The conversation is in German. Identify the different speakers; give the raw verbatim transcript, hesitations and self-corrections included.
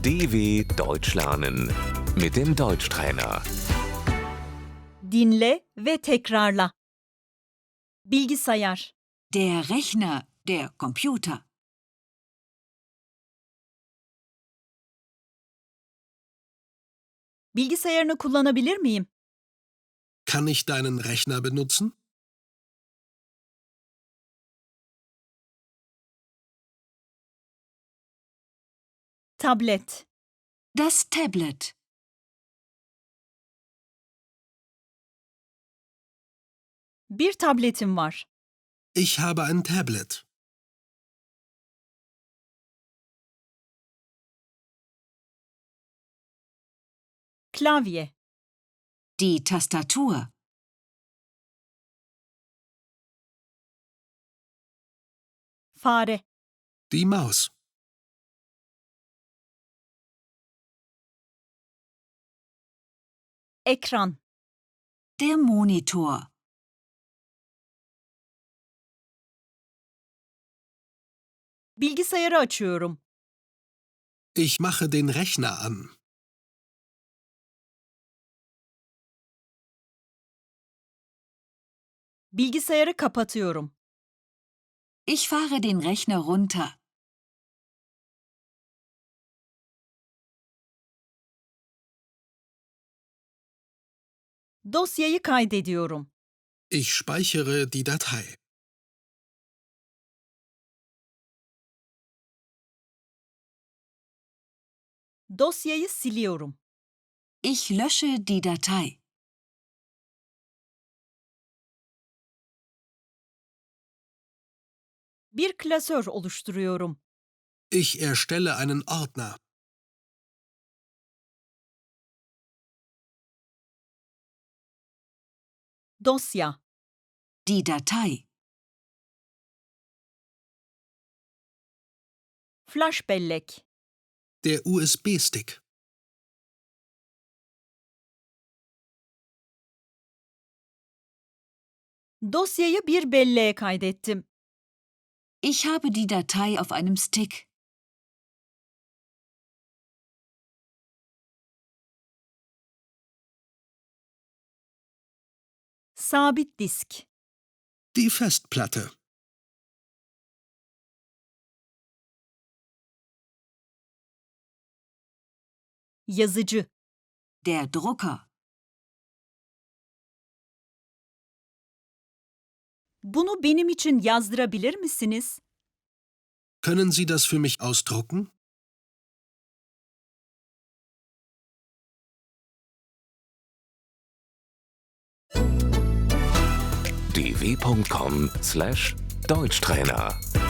Speaker 1: D W Deutsch lernen mit dem Deutschtrainer.
Speaker 2: Dinle ve tekrarla. Bilgisayar,
Speaker 3: Der Rechner, der Computer.
Speaker 2: bilgisayarını kullanabilir miyim?
Speaker 4: Kann ich deinen Rechner benutzen?
Speaker 2: Tablet,
Speaker 3: Das Tablet.
Speaker 2: bir tabletim var.
Speaker 4: Ich habe ein Tablet.
Speaker 2: Klavye,
Speaker 3: Die Tastatur.
Speaker 2: fare,
Speaker 4: Die Maus.
Speaker 2: ekran,
Speaker 3: Der Monitor.
Speaker 2: bilgisayarı açıyorum.
Speaker 4: Ich mache den Rechner an.
Speaker 2: Bilgisayarı kapatıyorum.
Speaker 3: Ich fahre den Rechner runter.
Speaker 2: Dosyayı kaydediyorum.
Speaker 4: Ich speichere die Datei.
Speaker 2: Dosyayı siliyorum.
Speaker 3: Ich lösche die Datei.
Speaker 2: Bir klasör oluşturuyorum.
Speaker 4: Ich erstelle einen Ordner.
Speaker 2: Dosya,
Speaker 3: Die Datei.
Speaker 2: flash bellek,
Speaker 4: Der U S B-Stick.
Speaker 2: dosyayı bir belleğe kaydettim.
Speaker 3: Ich habe die Datei auf einem Stick.
Speaker 2: Sabit disk,
Speaker 4: Die Festplatte.
Speaker 2: yazıcı,
Speaker 3: Der Drucker.
Speaker 2: bunu benim için yazdırabilir misiniz?
Speaker 4: Können Sie das für mich ausdrucken?
Speaker 1: d w punkt com slash Deutschtrainer